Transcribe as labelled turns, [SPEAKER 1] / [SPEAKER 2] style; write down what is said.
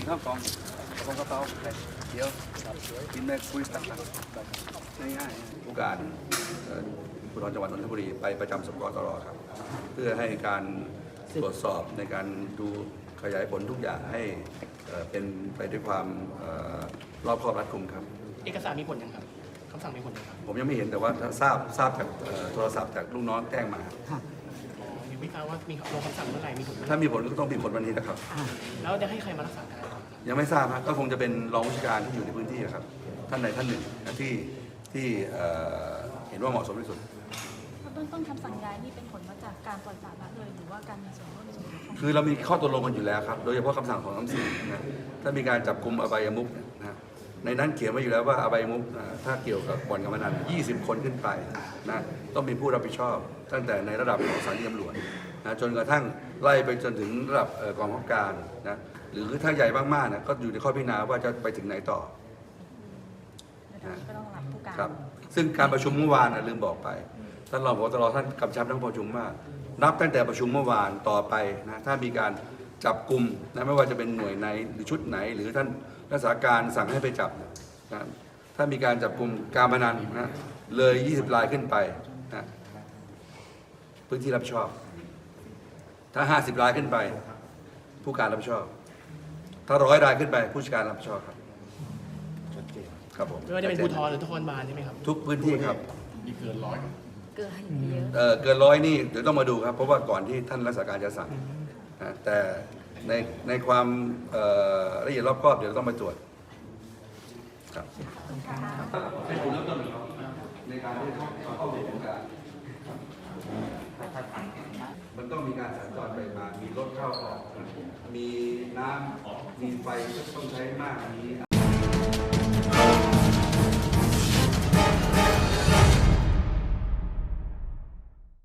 [SPEAKER 1] ข้าวกล่องกระเป๋าเดี๋ยวกินแม่คุยต่างๆง่ายๆผู้การภูธรจังหวัดนนทบุรีไปประจำสกตรครับเพื่อให้การตรวจสอบในการดูขยายผลทุกอย่างให้เป็นไปด้วยความรอบคอบรัดกุมครับ
[SPEAKER 2] เอกสารมีผลยังครับคำสั่งมีผลยังครับ
[SPEAKER 1] ผมยังไม่เห็นแต่ว่าทราบจากโทรศัพท์จากลูกน้องแจ้งมา
[SPEAKER 2] ยังไม่ทราบว่ามีลงคำสั่งเมื่อไหร่มีผล
[SPEAKER 1] ถ้ามีผลก็ต้องมีผลวันนี้นะครับ
[SPEAKER 2] แล้วจะให้ใครมารักษาการ
[SPEAKER 1] ยังไม่ทราบครับก็คงจะเป็นรองผู้การที่อยู่ในพื้นที่ครับท่านใดท่านหนึ่งที่เห็นว่าเหมาะสมที่สุด
[SPEAKER 3] เบื้องต้นคำสั่งย้ายนี่เป็นผลมาจากการปล่อยปละละเลยหรือว่าการมีส่วนร่วมในส่วนของ
[SPEAKER 1] คือเรามีข้อตกลงกันอยู่แล้วครับโดยเฉพาะคำสั่งของ234นะถ้ามีการจับกุมอบายมุขนะในนั้นเขียนไว้อยู่แล้วว่าอบายมุขถ้าเกี่ยวกับบ่อนการพนัน20 คนขึ้นไปนะต้องมีผู้รับผิดชอบตั้งแต่ในระดับของสถานีตำรวจนะจนกระทั่งไล่ไปจนถึงระดับกองบังคับการนะหรือถ้าใหญ่มากๆนะก็อยู่ในข้อพิจารณาว่าจะไปถึงไหนต่อ
[SPEAKER 3] ก็ต้องรับผู้การ
[SPEAKER 1] ครับซึ่งการประชุมเมื่อวานลืมบอกไปท่านรองผบ.ตร.ท่านกำชับทั้งประชุมว่านับตั้งแต่ประชุมเมื่อวานต่อไปนะถ้ามีการจับกลุ่มนะไม่ว่าจะเป็นหน่วยไหนหรือชุดไหนหรือท่านรักษาการสั่งให้ไปจับนะถ้ามีการจับกลุ่มการพนันนะเลย20 รายขึ้นไปนะพื้นที่รับผิดชอบถ้า50 รายขึ้นไปผู้การรับผิดชอบถ้า100 รายขึ้นไปผู้จัดการรับผิดชอบครับครับผม
[SPEAKER 2] ไม่ว่าจะเป็นภูธรหรือนครบาลใช่ไหมครับ
[SPEAKER 1] ทุกพื้นที่ครับ
[SPEAKER 2] มีเกิน100
[SPEAKER 3] เกินเย
[SPEAKER 1] อะเกิน100นี่เดี๋ยวต้องมาดูครับเพราะว่าก่อนที่ท่านรักษาการจะสั่งแต่ในความละเอียดรอบคอบเดี๋ยวต้องมาตรวจครับให้คุณเริ่มต้นในการที่เข้าสู่โครงการมันต้องมีการสัญจรไปมามีรถเข้าออกมีน้ำมีไฟต้องใช้มากนี้